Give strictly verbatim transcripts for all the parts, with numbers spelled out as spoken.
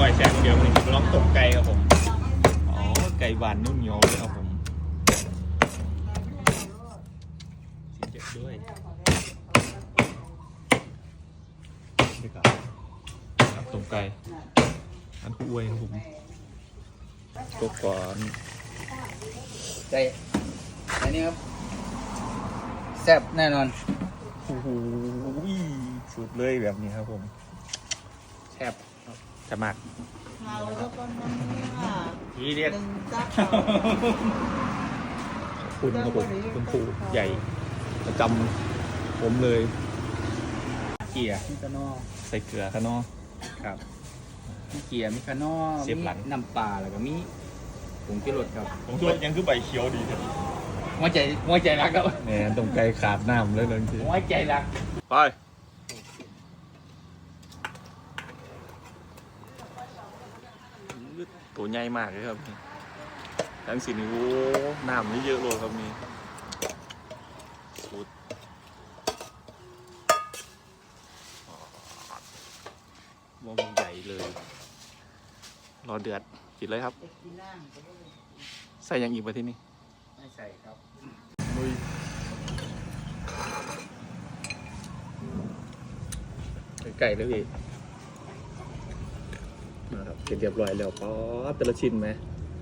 ก่อยแสงเดียวมันจะร้องตกไก่ครับผมอ๋อไก่บานนุ่มเหนียวเลยครับผมสีเจ็บด้วยนี่ครับครับตกไก่อันคู่อวยครับผมตกก่อนไก่อันนี้ครับแซ่บแน่นอนโอ้โหสุดเลยแบบนี้ครับผมแซ่บจะมากเราก็ต้องนั่งว่าทีเด็ดหนึ่งจับคุณครับผมคุณครูใหญ่ประจำผมเลยเกียร์มีกระนอใส่เกลือข้างนอกครับมีเกียร์มีกระนอเสียบหลังมีน้ำปลาแล้วก็มีผงชูรสครับผมคิดว่ายังคือใบเขียวดีครับหัวใจหัวใจรักครับแหมตรงไกลขาดน้ำเลยเลยทีหัวใจรักไปตัวใหญ่มากเลยครับทั้งสีนิ้วน้ำนี่เยอะเลยครับนี่สุดมองใหญ่เลย รอเดือดกินเลยครับ ใส่ยังอีกไปที่นี่ไม่ใส่ครับลุยไก่เลยพี่นะครับเสร็จเรียบร้อยแล้วป๊อปแต่ละชิ้นไหม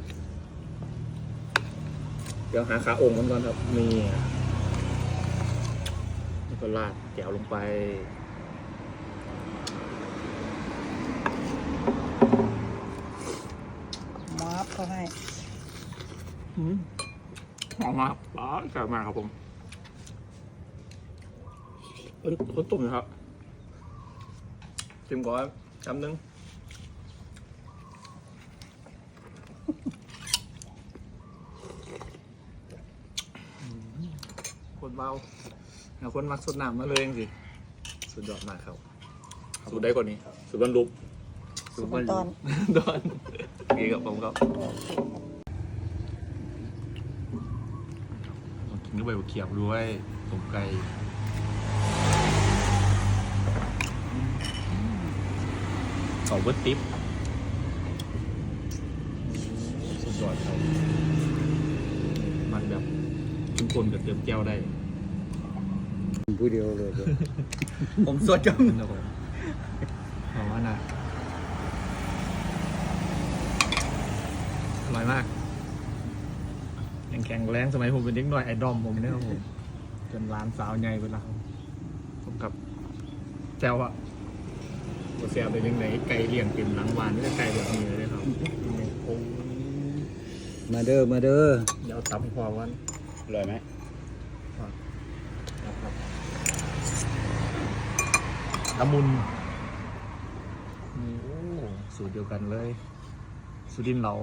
เดี๋ยวหาขาองค์กันก่อนครับมีแล้วก็ราดแก้วลงไปมาบเขาให้อืมหอมมากป๊อปแซ่บมากครับผมต้นต้นตุ่มนะครับชิมก่อนคำนึงคนเบาเอาคนมักสดน้ำมาเลยสิสุดยอดมากครับสูดได้กว่านี้สูดบรรลุสุกตอนดอนดีกับผมครับกินด้วยใบเขียบด้วยต้มไก่เขาเบิร์ตติ๊บสุดยอดครับมันแบบเข้มข้นกับเติมแก้วได้ผู้เดียวเลย ผมสดจังนะผมหอมมากนะอร่อยมากยังแข็งแรงสมัยผมเป็นเด็กน้อยไอดอมผมเนี่ยครับผมจนร้านสาวใหญ่ไปแล้วผมกับแจ้วอะตัวเสียไปยังไหนไก่เลี้ยงเต็มหลังวานนี่ก็ไก่แบบนี้เลยครับโอ้มาเด้อมาเด้อเดี๋ยวตับให้พอวันอร่อยไหมนะครับละมุนนี่โอ้สูตรเดียวกันเลยสุดินทร์เหลา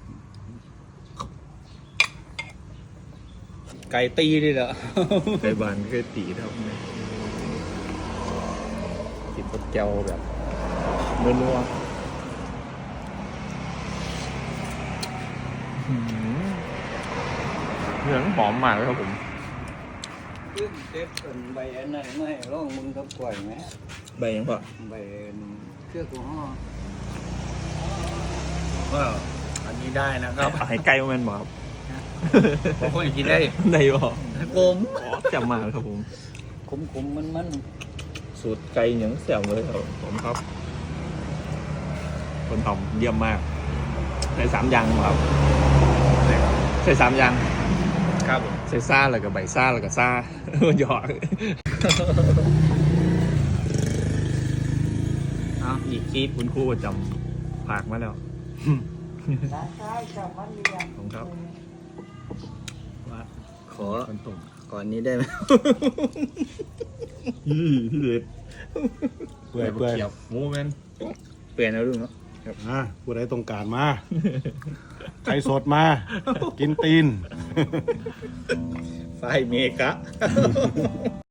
ไก่ตีดิเหรอไก่บานก็ตีครับเนี่ยกินกับแก้วแบบนัวๆหืมเนื้อหอมมากเลยครับผมขึ้นเต็มเป็นใบอันไหนไม่ร้องมึงกับกล้วยไหมใบยังปะใบเครื่องกูห่อว่าอันนี้ได้นะครับให้ไก่มาเป็นหมอครับผมก็กินได้ได้บ่ผมขอจำมาครับผมขมขมมันมันสูตรไก่เหนียวแซ่บเลยครับผมครับ คนทำเยี่ยมมากใส่สามอย่างครับใส่สามอย่างครับผมใส่ซ่าแล้วก็ใบซ่าแล้วก็ซ่า หยอกอ้าวอีกคลิปคุณครูประจำผากมาแล้วร้านค้าชาวบ้านเรียนผมครับว่าขอคนตุ่มก่อนนี้ได้ไหมยี่ที่เด็ดเปื่อยเปื่อยหมูแมนเปลี่ยนแล้วลุงเนาะอ่ะผู้ใดต้องการมาไก่สดมา กินตีนไฟเมกะ